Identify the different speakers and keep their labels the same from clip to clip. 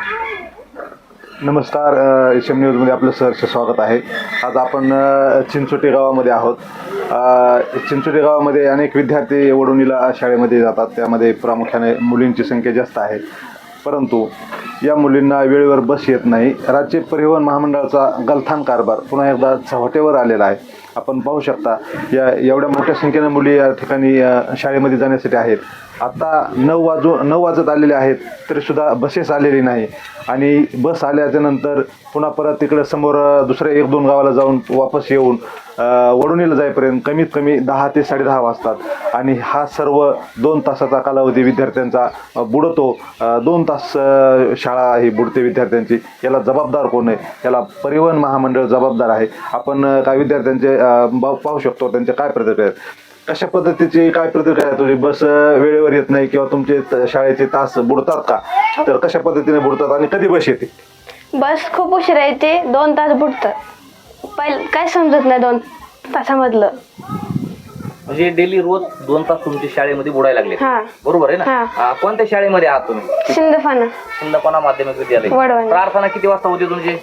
Speaker 1: नमस्कार, एम न्यूजमध्ये आपलं सहर्ष स्वागत आहे. आज आपण चिंचोटी गावामध्ये आहोत. चिंचोटी गावामध्ये अनेक विद्यार्थी वडोणीला शाळेमध्ये जातात. त्यामध्ये प्रामुख्याने मुलींची संख्या जास्त आहे, परंतु या मुलींना वेळेवर बस येत नाही. राज्य परिवहन महामंडळाचा गलथान कारभार पुन्हा एकदा चव्हाट्यावर आलेला आहे. आपण पाहू शकता एवढ्या मोठ्या संख्येने मुली या ठिकाणी शाळेमध्ये जाण्यासाठी आहेत. आता 9 वाजत आलेले आहेत तरीसुद्धा बसेस आलेली नाही आणि बस आल्याच्या नंतर पुन्हा परत तिकडे समोर दुसऱ्या 1-2 गावाला जाऊन वापस येऊन वडोणीला जाईपर्यंत कमीत कमी 10 ते 10:30 वाजतात आणि हा सर्व 2 तासाचा कालावधी विद्यार्थ्यांचा बुडतो. 2 तास शाळा ही बुडते विद्यार्थ्यांची. याला जबाबदार कोण आहे? याला परिवहन महामंडळ जबाबदार आहे. आपण काय विद्यार्थ्यांचे पाहू शकतो त्यांचे काय प्रतिक्रिया आहेत. कशा पद्धतीची काय प्रतिक्रिया आहे तुझी? बस वेळेवर येत नाही किंवा तुमचे शाळेचे तास बुडतात का? तर कशा पद्धतीने बुडतात आणि कधी बस येते?
Speaker 2: बस खूप उशिरा येते, 2 तास बुडतात. काय समजत नाही 2 तासामधलं.
Speaker 3: म्हणजे डेली रोज 2 तास तुमच्या शाळेमध्ये बुडायला लागले,
Speaker 2: हा.
Speaker 3: बरोबर आहे ना? कोणत्या शाळेमध्ये आहात तुम्ही?
Speaker 2: शिंदफाना
Speaker 3: माध्यमिक विद्यालय.
Speaker 2: वडवणी.
Speaker 3: प्रार्थना किती वाजता होती तुमची?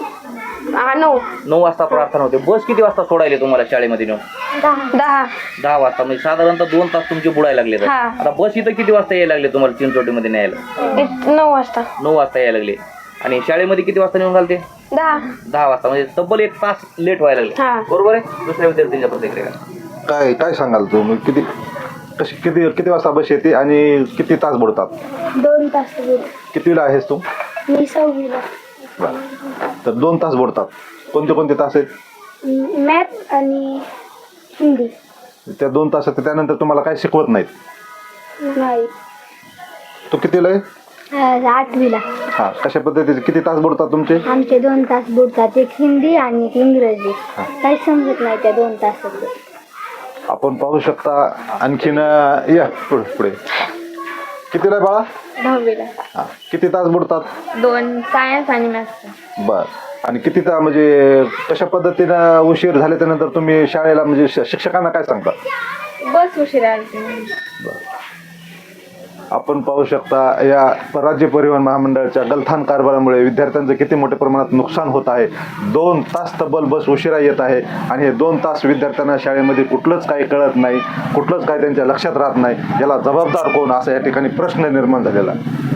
Speaker 2: 9
Speaker 3: वाजता प्रार्थना होते. बस किती वाजता सोडायले तुम्हाला शाळेमध्ये नेऊन? 10 वाजता. म्हणजे साधारणतः 2 तास तुमचे बुडायला लागले. आता बस इथं किती वाजता यायला लागले तुम्हाला चिंचोटीमध्ये न्यायला?
Speaker 2: 9 वाजता.
Speaker 3: 9 वाजता यायला लागले. आणि शाळेमध्ये किती वाजता नेऊन घालते?
Speaker 2: 10
Speaker 3: वाजता. म्हणजे तब्बल 1 तास लेट व्हायला लागले, बरोबर आहे? दुसऱ्या विद्यार्थ्यांच्या प्रतिक्रिया
Speaker 1: काय सांगाल तू? किती वाजता बस येते आणि किती तास बुडतात?
Speaker 2: 2 तास.
Speaker 1: कितवीला आहेस तू?
Speaker 2: मी 6वीला.
Speaker 1: तर 2 तास बुडतात. कोणते तास आहेत?
Speaker 2: मॅथ आणि हिंदी.
Speaker 1: त्या 2 तासात त्यानंतर तुम्हाला काय शिकवत नाहीत?
Speaker 2: नाही.
Speaker 1: तू कितीला आहे?
Speaker 2: 8वीला.
Speaker 1: हां, कशा पद्धतीचे किती तास बुडतात तुमचे?
Speaker 2: आमचे 2 तास बुडतात. एक हिंदी आणि एक इंग्रजी. काही समजत नाही त्या 2 तासात.
Speaker 1: आपण पाहू शकता. आणखीन या पुढे कितीला आहे बाळा?
Speaker 2: 10वीला.
Speaker 1: हां, किती तास बुडतात?
Speaker 2: 2 सायन्स आणि मॅथ्स.
Speaker 1: बर. आणि किती म्हणजे कशा पद्धतीनं उशीर झाल्यानंतर तुम्ही शाळेला म्हणजे शिक्षकांना काय सांगता?
Speaker 2: बस उशिरा आली.
Speaker 1: बर. आपण पाहू शकता या राज्य परिवहन महामंडळाच्या गलथान कारभारामुळे विद्यार्थ्यांचं किती मोठ्या प्रमाणात नुकसान होत आहे. 2 तास तब्बल बस उशिरा येत आहे आणि हे 2 तास विद्यार्थ्यांना शाळेमध्ये कुठलंच काही कळत नाही, कुठलंच काही त्यांच्या लक्षात राहत नाही. याला जबाबदार कोण, असा या ठिकाणी प्रश्न निर्माण झालेला.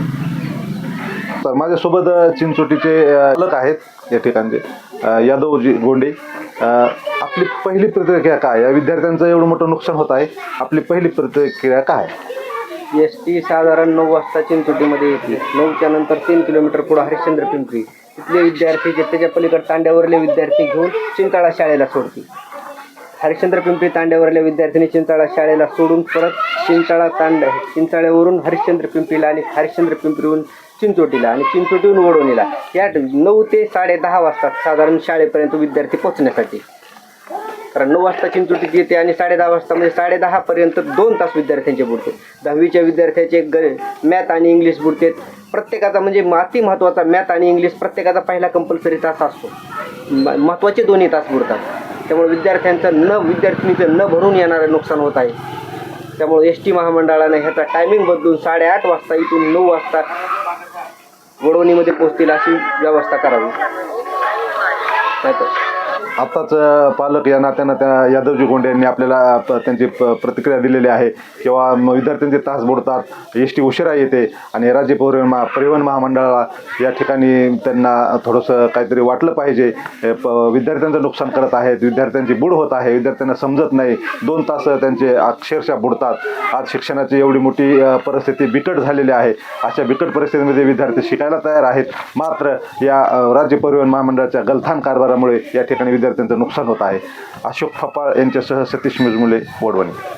Speaker 1: तर माझ्यासोबत चिंचोटीचे पालक आहेत या ठिकाणचे, यादवजी गोंडे. आपली पहिली प्रतिक्रिया काय? या विद्यार्थ्यांचं एवढं मोठं नुकसान होत आहे, आपली पहिली प्रतिक्रिया काय?
Speaker 4: एस.टी. साधारण 9 वाजता चिंचोटीमध्ये येते. 9च्या नंतर 3 किलोमीटर पुढे हरिश्चंद्र पिंपरी. तिथले विद्यार्थी जे त्याच्या पलीकडे तांड्यावरले विद्यार्थी घेऊन चिंचाळा शाळेला सोडते. हरिश्चंद्र पिंपरी तांड्यावरल्या विद्यार्थ्यांनी चिंचाळा शाळेला सोडून परत चिंचाळ्यावरून हरिश्चंद्र पिंपरीला आणि हरिश्चंद्र पिंपरीहून चिंचोटीला आणि चिंचोटीहून वडोणीला. या 9 ते 10:30 वाजतात साधारण शाळेपर्यंत विद्यार्थी पोहोचण्यासाठी. कारण 9 वाजता चिंचोटीत येते आणि 10:30 वाजता म्हणजे 10:30 पर्यंत 2 तास विद्यार्थ्यांचे बुडते. 10वीच्या विद्यार्थ्याचे मॅथ आणि इंग्लिश बुडते. प्रत्येकाचा म्हणजे अति महत्त्वाचा मॅथ आणि इंग्लिश प्रत्येकाचा पहिला कंपल्सरी तास असतो. महत्त्वाचे 2 तास बुडतात. त्यामुळे विद्यार्थिनीचं न भरून येणारं नुकसान होत आहे. त्यामुळे एस.टी. महामंडळाने ह्याचा टायमिंग बदलून 8:30 वाजता इथून 9 वाजता वडोणीमध्ये पोहोचतील अशी व्यवस्था करावी.
Speaker 1: आताच पालक या नात्यानं त्या यादवजी गोंडे यांनी आपल्याला त्यांची प्रतिक्रिया दिलेली आहे. किंवा विद्यार्थ्यांचे तास बुडतात, एस.टी. उशिरा येते आणि राज्य परिवहन महामंडळाला या ठिकाणी त्यांना थोडंसं काहीतरी वाटलं पाहिजे. विद्यार्थ्यांचं नुकसान करत आहेत, विद्यार्थ्यांची बुड होत आहे, विद्यार्थ्यांना समजत नाही. 2 तास त्यांचे अक्षरशः बुडतात. आज शिक्षणाची एवढी मोठी परिस्थिती बिकट झालेली आहे. अशा बिकट परिस्थितीमध्ये विद्यार्थी शिकायला तयार आहेत, मात्र या राज्य परिवहन महामंडळाच्या गलथान कारभारामुळे या ठिकाणी विद्यार्थ्यांचं नुकसान होत आहे. अशोक फपाळ यांच्यासह सतीश मुजमुले, वडवणी.